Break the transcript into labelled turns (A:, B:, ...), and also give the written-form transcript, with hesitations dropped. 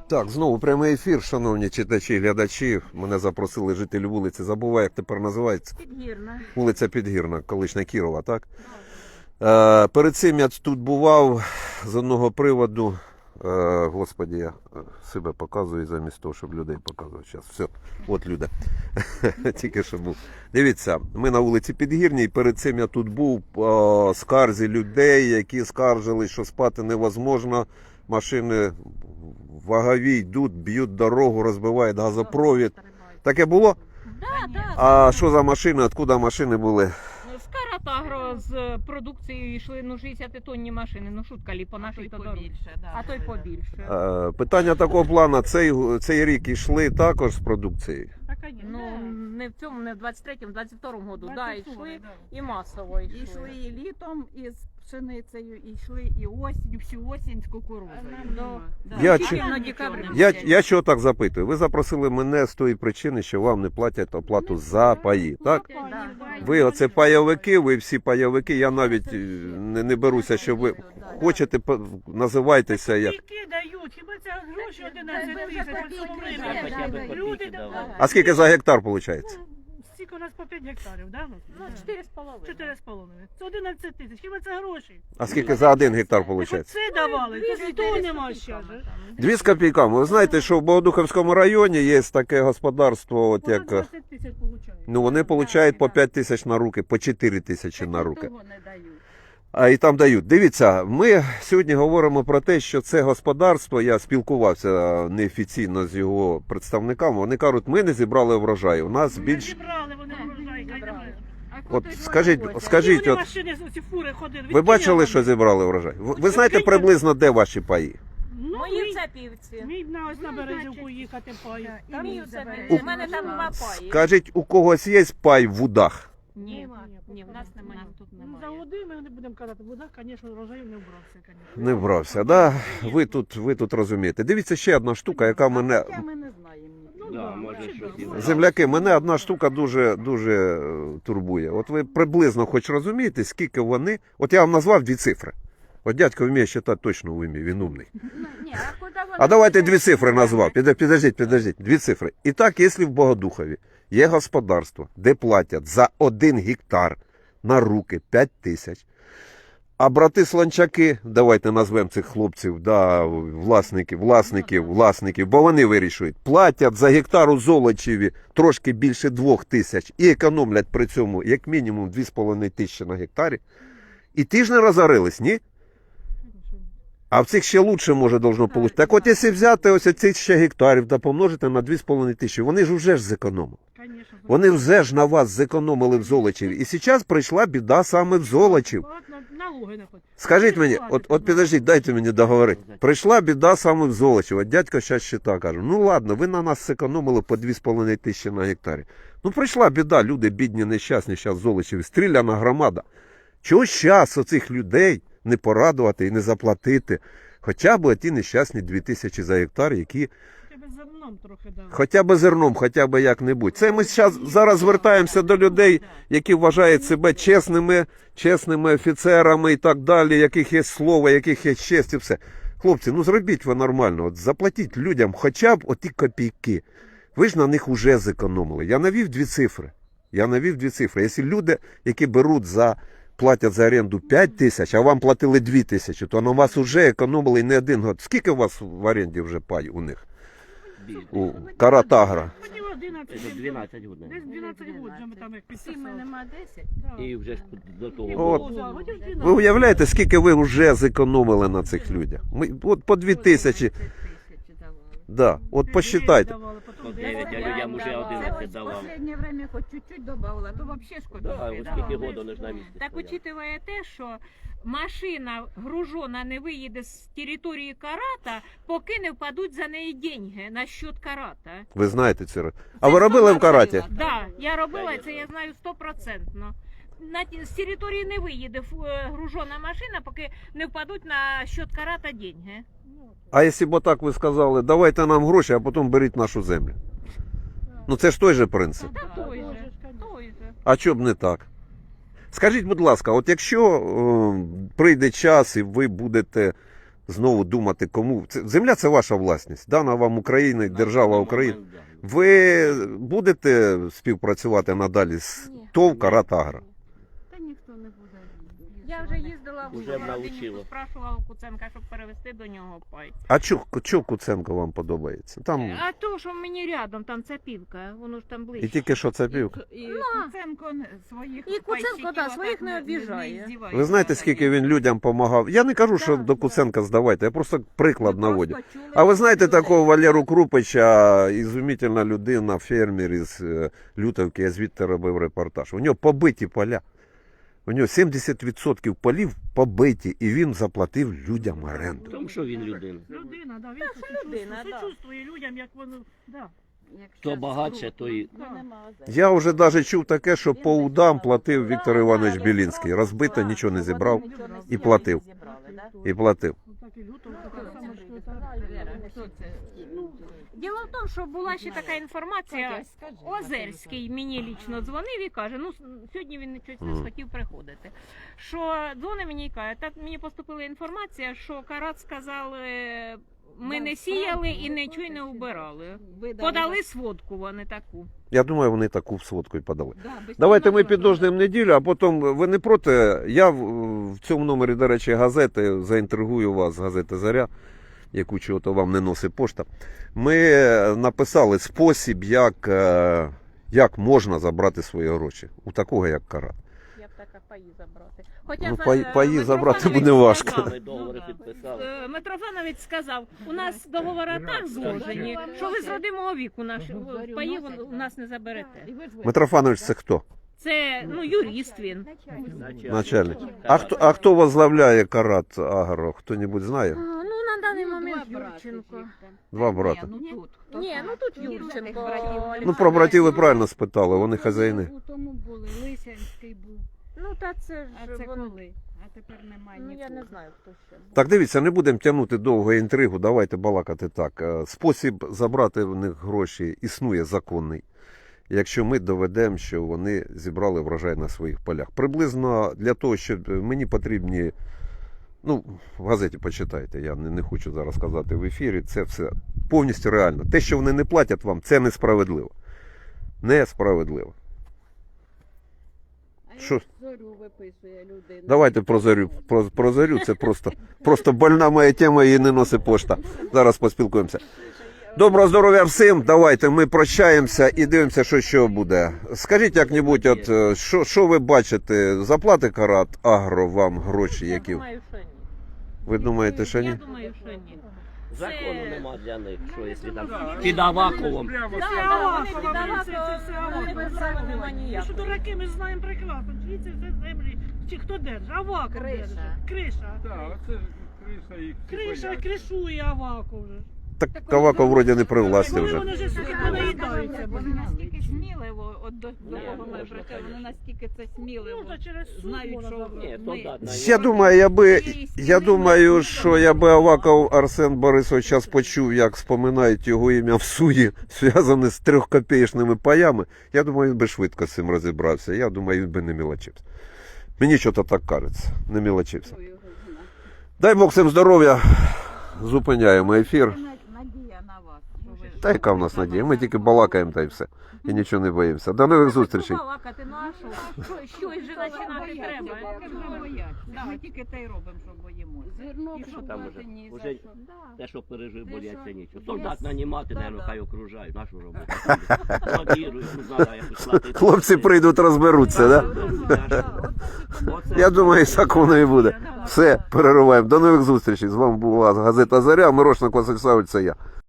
A: Так, знову прямий ефір, шановні читачі, глядачі. Мене запросили жителі вулиці. Забуваю, як тепер називається.
B: Підгірна.
A: Вулиця Підгірна, колишня Кірова, так? Перед цим я тут бував з одного приводу. Господи, я себе показую замість того, щоб людей показувати. Зараз, все, от люди. Тільки що був. Дивіться, ми на вулиці Підгірній. Перед цим я тут був по скарзі людей, які скаржили, що спати невозможно. Машини вагові йдуть, б'ють дорогу, розбивають газопровід. Таке було?
B: Да.
A: А що за машини, откуда машини були?
B: З Каратагро з продукцією йшли 60-тонні машини. Шутка лі по нашій то дорозі. А то й побільше.
A: Питання такого плану, цей рік йшли також з продукцією?
B: Не в цьому, не в 23-му, в 22-му году. Да, йшли і масово йшли.
C: Йшли і літом із пшеницею, і йшли і осінь, всю осінь з кукурудзою.
A: Я чого так запитую? Ви запросили мене з тої причини, що вам не платять оплату за паї, так? Ви оце пайовики, ви всі пайовики, я навіть не беруся, що ви хочете, називайтеся як.
D: Скільки дають? Хіба це гроші 11 тисяч? Люди дають.
A: А скільки за гектар виходить?
D: Скільки у нас по 5 гектарів, да?
B: 4,5.
D: 4,5. Це 11 тисяч. Хіба це гроші?
A: А скільки за 1 гектар виходить?
D: Це давали, то того нема ще.
A: 2 з копійками. Ви знаєте, що в Богодухівському районі є таке господарство, от
D: Вона
A: як...
D: 20 тисяч получає.
A: Ну, вони отримують по 5 тисяч на руки, по 4 тисячі на руки.
C: Того не дають.
A: А і там дають. Дивіться, ми сьогодні говоримо про те, що це господарство, я спілкувався неофіційно з його представниками, вони кажуть, ми не зібрали врожай, у нас
D: Вони
A: більш...
D: зібрали, вони врожай, хай немає.
A: От скажіть,
D: Вони
A: от,
D: машини, оці фури ходили.
A: ви бачили, що зібрали врожай? Ви знаєте приблизно, де ваші паї?
D: Ну,
B: Мої в Цапівці.
D: мій ось на Березівку їхати пай.
B: Мій в Цапівці. У мене там 2 паї.
A: Скажіть, у когось є пай в Удах?
B: Ні, в нас немає. Тут
D: Ну, за
B: немає.
D: води ми не будемо казати. Вода, звісно, врожаю не вбрався, звісно.
A: Не вбрався, да? Ви тут розумієте. Дивіться, ще одна штука, яка мене...
C: Хоча ми не знаємо.
D: Да,
E: може, щось
A: Земляки, мене одна штука дуже турбує. От ви приблизно хоч розумієте, скільки вони... От я вам назвав 2 цифри. От дядько вміє читати точно в умі, він умний. А давайте 2 цифри назвав. Підождіть, 2 цифри. І так, якщо в Богодухові є господарство, де платять за 1 гектар на руки 5 тисяч, а брати Сланчаки, давайте назвемо цих хлопців, да, власників, бо вони вирішують, платять за гектар у Золочеві трошки більше 2 тисяч і економлять при цьому як мінімум 2,5 тисячі на гектарі. І ті ж не розорились, ні? А в цих ще лучше, може, должно получити. Так от, якщо взяти ось цих ще гектарів та помножити на 2,5 тисячі, вони ж вже зекономили.
D: Конечно.
A: Вони вже ж на вас зекономили в Золочеві. І зараз прийшла біда саме в Золочів.
D: Налоги не платять.
A: Скажіть мені, от підождіть, дайте мені договорити. Прийшла біда саме в Золочів. От дядько зараз щита каже, ну ладно, ви на нас зекономили по 2,5 тисячі на гектарі. Ну прийшла біда, люди бідні, нещасні зараз в Золочеві, стріляна громада. Чого зараз оцих людей не порадувати і не заплатити хоча б ті нещасні 2 тисячі за гектар, які...
D: Тебе зерном трохи дали.
A: Хоча б зерном, хоча б як-небудь. Це ми зараз звертаємося до людей, які вважають себе чесними офіцерами і так далі, яких є слово, яких є честь і все. Хлопці, ну зробіть ви нормально, от заплатіть людям хоча б оті копійки. Ви ж на них уже зекономили. Я навів 2 цифри. Якщо люди, які платять за оренду 5 тисяч, а вам платили 2 тисячі, то на вас вже економили і не 1 год. Скільки у вас в оренді вже пай у них? У Каратагра.
D: Мені 11.
E: Це 12 годин.
D: Десь 12 років вже ми там як
C: Всі ми
D: підписали.
C: нема 10.
D: Да.
E: І вже ж до того
A: От.
E: було.
A: Ви уявляєте, скільки ви вже зекономили на цих людях? От по 2 тисячі. Да, от посчитайте.
E: По 9, а людям уже 11 давали.
C: В останнє время хоч чуть-чуть добавила, то взагалі ж
E: Да,
C: копійки
E: ось скільки
C: давали.
E: году не ж на місці.
B: Так
E: стояли.
B: учитывая те, що машина гружона не виїде з території Карата, поки не впадуть за неї деньги на счет Карата.
A: Ви знаєте це. А ви робили в Караті?
B: Да, я робила це, я знаю 100%. З території не виїде гружона машина, поки не впадуть на счет Карата деньги.
A: А якщо б так ви сказали, давайте нам гроші, а потім беріть нашу землю. Ну це ж той же принцип.
B: Та той же.
A: А чого б не так? Скажіть, будь ласка, от якщо прийде час і ви будете знову думати, кому. Земля це ваша власність. Дана вам Україна, держава України. Ви будете співпрацювати надалі з
B: Ні.
A: ТОВ «Карат-Агро»?
C: Та ніхто не буде.
B: Я вже їздила в
E: Уже
B: Городинівку,
E: навчила.
B: спрашувала у Куценка, щоб перевезти до нього пай.
A: А чого Куценко вам подобається? Там
B: А то, що мені рядом, там цапівка, воно ж там ближче.
A: і тільки що це півка.
C: І
B: Ну,
C: Куценко своїх
B: і Куценко,
C: пайщиків
B: да,
C: отак
B: своїх не обіжає.
C: здівається.
A: Ви знаєте, скільки він людям допомагав? Я не кажу, що
B: Так,
A: до Куценка здавайте, я просто приклад
C: Ми
A: наводю.
C: просто чули
A: А ви знаєте
C: людей.
A: такого Валеру Крупича, ізумітельна людина, фермер із Лютовки, я звідти робив репортаж. У нього побиті поля. У нього 70% полів побиті, і він заплатив людям оренду.
E: Тому що він людина.
D: Людина, да, він
B: людина, да.
D: сочувствує людям, як воно, да.
C: Якщо
E: Хто багатше,
C: скрутно,
E: той-
C: то нема озер.
A: Я вже навіть чув таке, що по удам платив Віктор Іванович Білінський. Розбито, нічого не зібрав і платив. І платив.
D: Так і люто, так само, що це.
C: Хто це?
B: Діло в тому, що була ще така інформація. Озерський мені лічно дзвонив і каже, ну сьогодні він щось не схотів приходити. Що дзвонить мені і каже, так мені поступила інформація, що Карат сказали, ми не сіяли і нічого не убирали. Подали сводку вони таку.
A: Я думаю, вони таку сводку і подали.
C: Да, без
A: Давайте ми
C: підозри.
A: підождемо неділю, а потім ви не проти. Я в цьому номері, до речі, газети заінтригую вас, газета «Заря», яку чого-то вам не носить пошта. Ми написали спосіб, як можна забрати свої гроші у такого, як Карат.
B: Я б така паї забрати. Хоча
A: Ну,
B: за-
A: паї забрати
B: Митрофанович
A: буде важко.
B: сказав,
E: Ми договори підписали.
B: Митрофанович сказав, у нас договори так зложені, що ви з родимого віку наші паї у нас не заберете.
C: І ви ж ви-
A: Митрофанович, це хто?
B: Це юрист він.
A: Начальник. А хто возглавляє Карат Агро? Хто-небудь знає?
B: Ну на даний момент
C: Два брати
B: Юрченко.
C: їх там.
A: Два брата.
C: Ні, ну тут. хто
B: Ні,
C: там?
B: ну тут Юрченко.
A: Ну, про братів ви правильно спитали, вони хазяїни.
C: У тому були, Лисянський був.
B: Ну та це
C: А
B: ж
C: це
B: воно.
C: коли? А тепер немає
B: Ну
C: нікого.
B: я не знаю, хто ще.
A: Так, дивіться, не будемо тягнути довго інтригу, давайте балакати так. Спосіб забрати в них гроші існує законний, якщо ми доведемо, що вони зібрали врожай на своїх полях. Приблизно для того, щоб мені потрібні, ну, в газеті почитайте, я не хочу зараз казати в ефірі, це все повністю реально. Те, що вони не платять вам, це несправедливо. Несправедливо.
C: А
A: Що?
C: як зорю виписує людина.
A: Давайте про зорю. Про зорю це просто больна моя тема, її не носить пошта. Зараз поспілкуємося. Доброго здоров'я всім. Давайте ми прощаємося і дивимося, що буде. Скажіть як-небудь, от що ви бачите? Заплати Карат Агро вам гроші, які
B: Я думаю, що ні.
A: ви думаєте, що ні?
B: Я думаю, що ні.
E: Закону нема для них, що якщо там під Аваковом.
B: Да,
D: Це
B: да,
D: Авакова,
B: вони
D: це
B: віддавали,
D: Авакова.
B: вони права нема
D: Ми що
B: ніякого.
D: дураки, ми знаємо прекрасно, чиї це все землі, чи хто держить, Аваков
C: Криша.
D: держить. Криша.
F: Так, це ж криша їх.
D: Криша кришує Аваков вже.
A: Так Каваков вроді не при власті
D: Коли
A: вже.
D: вони вже суки понаїдаються.
C: Вони настільки сміливо, от до
E: Ні,
C: кого ми
E: можна,
C: прийшли, вони
E: конечно.
C: настільки це сміливо.
D: Ну, то через суд
C: Знають,
D: можна
C: що
D: забрати.
E: Ні, солдат на
A: Я думаю, я думаю, що якби Аваков Арсен Борисович час почув, як споминають його ім'я в суді, зв'язане з 3-копеечними паями, я думаю, він би швидко з цим розібрався. Я думаю, він би не мілочився. Мені щось так кажеться, не мілочився.
C: його знає.
A: Дай Бог всім здоров'я. Зупиняємо ефір.
C: Це надія на вас. що ви-
A: Та яка в нас надія? Ми тільки балакаємо та й все. І нічого не боїмося. До нових зустрічей.
B: Балакати, ну а що? Щось же починати треба.
C: Ми бояться. Ми тільки те й робимо, що боїмося. Зерно
E: І що там уже?
C: купувати ні
E: Уже
C: за що.
E: те, що пережив, бояться нічого.
C: Да.
E: Солдат нанімати,
C: Да,
E: наверное,
C: да.
E: хай окружають. Нашу роботу. Лавірують, ну, треба якось платити.
A: Хлопці прийдуть, розберуться, да?
E: Оце.
A: Я думаю, так воно і буде. Все, перериваємо. До нових зустрічей. З вами була газета «Заря». Мирошник Василь Савич, це я.